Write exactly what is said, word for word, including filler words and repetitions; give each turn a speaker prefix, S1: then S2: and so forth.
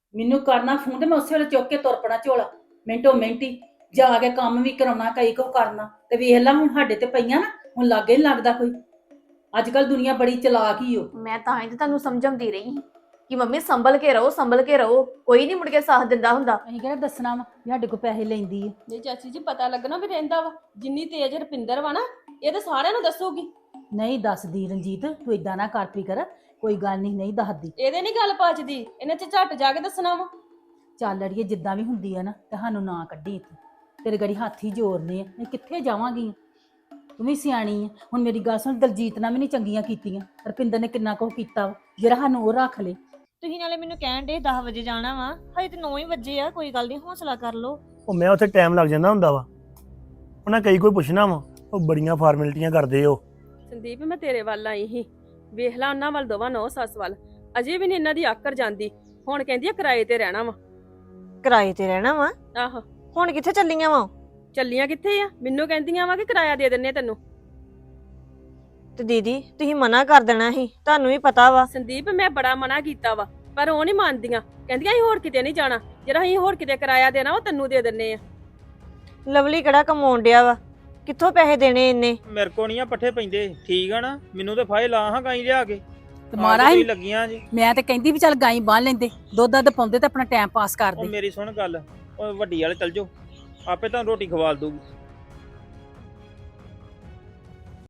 S1: ਮੈਨੂੰ ਕਰਨਾ ਫੋਨ ਤੇ ਮੈਂ ਉਸੇ ਵੇਲੇ ਚੁੱਕ ਕੇ ਤੁਰ ਪਣਾ ਝੋਲਾ ਮਿੰਟੋ ਮਿੰਟੀ ਜਾ ਕੇ ਕੰਮ ਵੀ ਕਰਾਉਣਾ ਕਈ ਕੁ ਕਰਨਾ ਤੇ ਵੇਖ ਲੈ ਹੁਣ ਸਾਡੇ ਤੇ ਪਈਆਂ ਨਾ ਹੁਣ ਲਾਗੇ ਨੀ ਲੱਗਦਾ ਕੋਈ। ਅੱਜ ਕੱਲ ਦੁਨੀਆ ਬੜੀ ਚਲਾਕ ਹੀ ਓ।
S2: ਮੈਂ ਤਾਂ ਹੀ ਤੇ ਤੁਹਾਨੂੰ ਸਮਝਾਉਂਦੀ ਰਹੀ ਸੀ ਕਿ ਮੰਮੀ ਸੰਭਲ ਕੇ ਰਹੋ ਸੰਭਲ ਕੇ ਰਹੋ, ਕੋਈ ਨਹੀਂ ਮੁੜ ਕੇ ਸਾਥ ਦਿੰਦਾ ਹੁੰਦਾ।
S1: ਅਸੀਂ ਕਿਹੜਾ ਦੱਸਣਾ ਵਾ ਵੀ ਸਾਡੇ ਕੋਲ ਪੈਸੇ ਲੈਂਦੀ ਆ।
S3: ਨਹੀਂ ਚਾਚੀ ਜੀ ਪਤਾ ਲੱਗਣਾ ਵੀ ਰਹਿੰਦਾ ਵਾ, ਜਿੰਨੀ ਤੇਜ਼ ਰੁਪਿੰਦਰ ਵਾ ਨਾ ਇਹ ਤਾਂ ਸਾਰਿਆਂ ਨੂੰ ਦੱਸੂਗੀ।
S1: ਨਹੀਂ ਦੱਸਦੀ ਰਣਜੀਤ, ਤੂੰ ਇਦਾਂ ਨਾ ਕਰ ਪੀ ਕਰ, ਕੋਈ ਗੱਲ ਨਹੀਂ ਨਹੀਂ ਦੱਸਦੀ।
S3: ਇਹਦੇ ਨਹੀਂ ਗੱਲ ਪਚਦੀ, ਇਹਨੇ ਚ ਝੱਟ ਜਾ ਕੇ ਦੱਸਣਾ ਵਾ।
S1: ਚੱਲ ਅੜੀਏ ਜਿੱਦਾਂ ਵੀ ਹੁੰਦੀ ਆ ਨਾ ਤੇ ਸਾਨੂੰ ਨਾ ਕੱਢੀ ਇੱਥੇ, ਤੇਰੇ ਗੜੀ ਹੱਥ ਹੀ ਜੋੜਨੇ ਆ, ਮੈਂ ਕਿੱਥੇ ਜਾਵਾਂਗੀ। ਤੂੰ ਵੀ ਸਿਆਣੀ ਆ, ਹੁਣ ਮੇਰੀ ਗੱਲ ਸੁਣ, ਦਲਜੀਤ ਨਾਲ ਵੀ ਨਹੀਂ ਚੰਗੀਆਂ ਕੀਤੀਆਂ, ਰੁਪਿੰਦਰ ਨੇ ਕਿੰਨਾ ਕੁਝ ਕੀਤਾ ਵਾ ਜਿਹੜਾ ਸਾਨੂੰ ਉਹ ਰੱਖ ਲੇ।
S4: ਤੁਸੀਂ ਨਾਲੇ ਮੈਨੂੰ ਕਹਿਣ ਦੇ ਦਸ ਵਜੇ ਜਾਣਾ ਵਾ, ਹਜੇ ਤੇ ਨੌ ਹੀ ਵਜੇ ਆ, ਕੋਈ ਗੱਲ ਨਹੀਂ ਹੌਸਲਾ ਕਰ ਲਓ।
S5: ਉਹ ਮੈਂ ਉੱਥੇ ਟਾਈਮ ਲੱਗ ਜਾਂਦਾ ਹੁੰਦਾ ਵਾ, ਉਹਨਾਂ ਕਈ ਕੋਈ ਪੁੱਛਣਾ ਵਾ, ਉਹ ਬੜੀਆਂ ਫਾਰਮੈਲਿਟੀਆਂ ਕਰਦੇ ਉਹ।
S3: ਸੰਦੀਪ ਮੈਂ ਤੇਰੇ ਵੱਲ ਆਈ ਸੀ, ਵੇਖ ਲਾ ਉਹਨਾਂ ਵੱਲ ਦੋਵਾਂ ਨੌ ਸੱਸ ਵੱਲ ਅਜੇ ਵੀ ਨਹੀਂ ਇਹਨਾਂ ਦੀ ਆਕਰ ਜਾਂਦੀ। ਹੁਣ ਕਹਿੰਦੀ ਆ ਕਿਰਾਏ ਤੇ ਰਹਿਣਾ ਵਾ।
S4: ਕਿਰਾਏ ਤੇ ਰਹਿਣਾ ਵਾ?
S3: ਆਹੋ
S4: ਹੁਣ ਕਿੱਥੇ ਚੱਲੀਆਂ ਵਾ?
S3: ਚੱਲੀਆਂ ਕਿੱਥੇ ਆ, ਮੈਨੂੰ ਕਹਿੰਦੀਆਂ ਵਾ ਕਿ ਕਿਰਾਇਆ ਦੇ ਦਿੰਨੇ ਤੈਨੂੰ।
S4: ਤੇ ਦੀਦੀ ਤੁਸੀਂ ਮਨਾ ਕਰ ਦੇਣਾ ਸੀ, ਤੁਹਾਨੂੰ ਵੀ ਪਤਾ ਵਾ।
S3: ਸੰਦੀਪ ਮੈਂ ਬੜਾ ਮਨਾ ਕੀਤਾ ਵਾ ਪਰ ਉਹ ਨਹੀਂ ਮੰਨਦੀਆਂ, ਕਹਿੰਦੀਆਂ ਅਸੀਂ ਹੋਰ ਕਿਤੇ ਨਹੀਂ ਜਾਣਾ, ਜਿਹੜਾ ਅਸੀਂ ਹੋਰ ਕਿਤੇ ਕਿਰਾਇਆ ਦੇਣਾ ਉਹ ਤੈਨੂੰ ਦੇ ਦਿੰਨੇ ਆ।
S4: ਲਵਲੀ ਕਿਹੜਾ ਕਮਾਉਣ ਡਿਆ ਵਾ, ਕਿੱਥੋਂ ਪੈਸੇ ਦੇਣੇ ਇੰਨੇ?
S6: ਮੇਰੇ ਕੋ ਨਹੀਂ ਆ ਪੱਠੇ ਪੈਂਦੇ, ਠੀਕ ਆ ਨਾ, ਮੈਨੂੰ ਤੇ ਫਾਇ ਲਾ ਹਾਂ ਗਾਈ ਲਿਆ ਕੇ
S1: ਤੇ ਮਾਰਾ ਹੀ
S6: ਲੱਗੀਆਂ ਜੀ।
S1: ਮੈਂ ਤੇ ਕਹਿੰਦੀ ਵੀ ਚੱਲ ਗਾਈ ਬੰਨ ਲੈਂਦੇ, ਦੁੱਧ ਦੱਧ ਪਾਉਂਦੇ ਤੇ ਆਪਣਾ ਟਾਈਮ ਪਾਸ
S6: ਉਹ
S1: ਕਰਦੇ।
S6: ਮੇਰੀ ਸੁਣ ਗੱਲ, ਉਹ ਵੱਡੀ ਵਾਲੇ ਚੱਲ ਜਾਓ, ਆਪੇ ਤੁਹਾਨੂੰ ਰੋਟੀ ਖਵਾਲ ਦੂਗੀ।